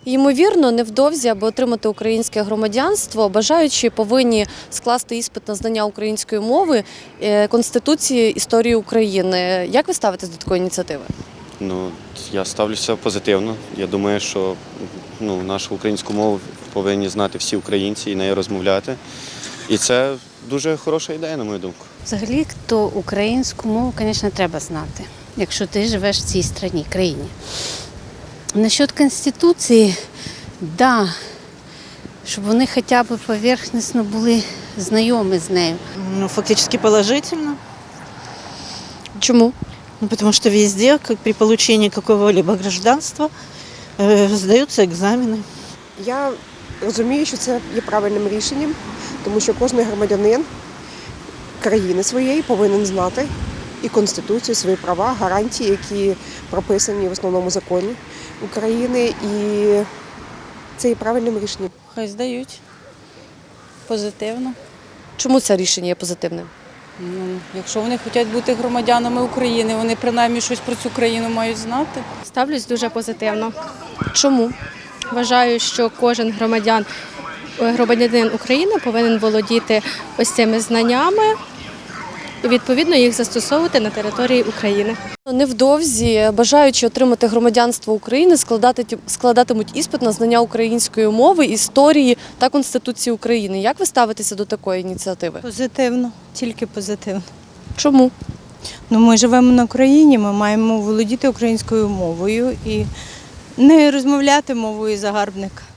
Ймовірно, невдовзі, аби отримати українське громадянство, бажаючі повинні скласти іспит на знання української мови, Конституції, історії України. Як ви ставитесь до такої ініціативи? Я ставлюся позитивно. Я думаю, що нашу українську мову повинні знати всі українці і нею розмовляти. І це дуже хороша ідея, на мою думку. Взагалі, то українську мову, звісно, треба знати, якщо ти живеш в цій країні. Насчет Конституції, да, щоб вони хоча б поверхностно були знайомі з нею. Фактически положительно. Чому? Потому что везде, при получении какого-либо гражданства, сдаются экзамены. Я розумію, що це є правильним рішенням, тому що кожен громадянин країни своєї повинен знати і Конституцію, свої права, гарантії, які прописані в основному законі України. І це є правильним рішенням. Хай здають. Позитивно. Чому це рішення є позитивним? Якщо вони хочуть бути громадянами України, вони принаймні щось про цю країну мають знати. Ставлюсь дуже позитивно. Чому? Вважаю, що кожен громадянин України повинен володіти ось цими знаннями і відповідно їх застосовувати на території України. Невдовзі бажаючі отримати громадянство України складатимуть іспит на знання української мови, історії та Конституції України. Як ви ставитеся до такої ініціативи? Позитивно, тільки позитивно. Чому? Ми живемо на Україні, ми маємо володіти українською мовою і не розмовляти мовою загарбника.